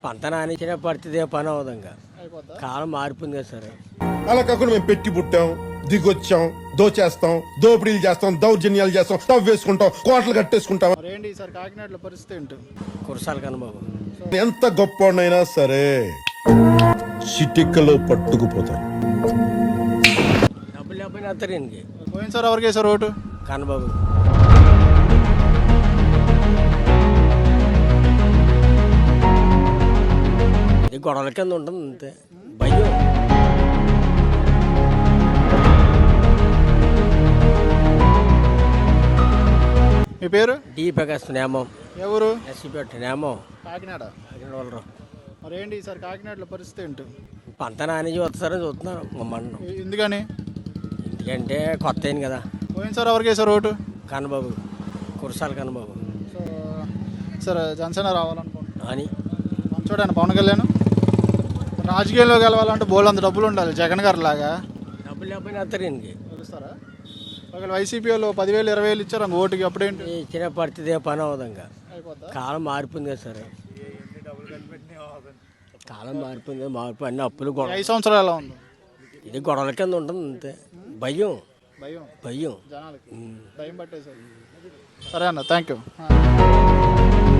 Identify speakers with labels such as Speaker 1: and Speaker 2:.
Speaker 1: పంట నానించిన పరిస్థితి పని అవదంగా
Speaker 2: అయిపోద్దా?
Speaker 1: కాలం మారిపోయింది కదా సరే.
Speaker 3: అలా కాకుండా మేము పెట్టి పుట్టాం, దిగొచ్చాం, దోచేస్తాం, దోపిడీలు చేస్తాం, దౌర్జన్యాలు చేస్తాం, తవ్వేసుకుంటాం, కోటలు కట్టేసుకుంటాం.
Speaker 2: మరి ఏంటి ఈసారి కాకినాడలో పరిస్థితి ఏంటి?
Speaker 1: కురసాలు కనబాబు
Speaker 3: ఎంత గొప్పనైనా సరే చిటికలో పట్టుకుపోతారు.
Speaker 1: డబ్బులు లేకపోయినా వస్తారు ఈయనకి.
Speaker 2: పోయినసారి ఎవరికి వేసారు ఓటు?
Speaker 1: కనబాబు ఇది గొడవల కింద ఉంటుంది అంతే. భయం
Speaker 2: మీ పేరు?
Speaker 1: డి ప్రకాశ్ నేమం
Speaker 2: ఎవరు?
Speaker 1: ఎస్సీపేట నేమం
Speaker 2: కాకినాడ.
Speaker 1: వాళ్ళు
Speaker 2: మరి ఏంటి ఈసారి కాకినాడలో పరిస్థితి ఏంటి?
Speaker 1: పంట నానించి వస్తారని చూస్తున్నాను మమ్మల్ని.
Speaker 2: ఎందుకని?
Speaker 1: ఎందుకంటే కొత్త అయింది కదా.
Speaker 2: పోయినసారి ఎవరికి వేసారు ఓటు?
Speaker 1: కనబాబు కురసాలు కనబాబు
Speaker 2: సో సరే జనసేన రావాలనుకుంటున్నాను.
Speaker 1: అని
Speaker 2: చూడండి పవన్ కళ్యాణ్ రాజకీయాల్లో గెలవాలంటే బోల్ అంత డబ్బులు ఉండాలి. జగన్ గారు లాగా
Speaker 1: డబ్బులు లేకపోయినా వస్తారు ఈయనకి.
Speaker 2: తెలుస్తారా? ఒకవేళ వైసీపీ వాళ్ళు 10,000 20,000 ఇచ్చారు అంక ఓటుకి, అప్పుడేంటి?
Speaker 1: ఇచ్చిన పరిస్థితి పని అవదంగా
Speaker 2: అయిపోద్దా?
Speaker 1: కాలం మారిపోయింది కదా సరే. కాలం మారిపోయింది కదా, మారిపోయి అన్ని అప్పులు గొడవ.
Speaker 2: 5 సంవత్సరాలు ఎలా ఉంది?
Speaker 1: ఇది గొడవల కింద ఉంటుంది అంతే. భయం
Speaker 2: భయం
Speaker 1: భయం
Speaker 2: జనాలకి భయం పట్టేసారు. సరే అన్న, థ్యాంక్ యూ.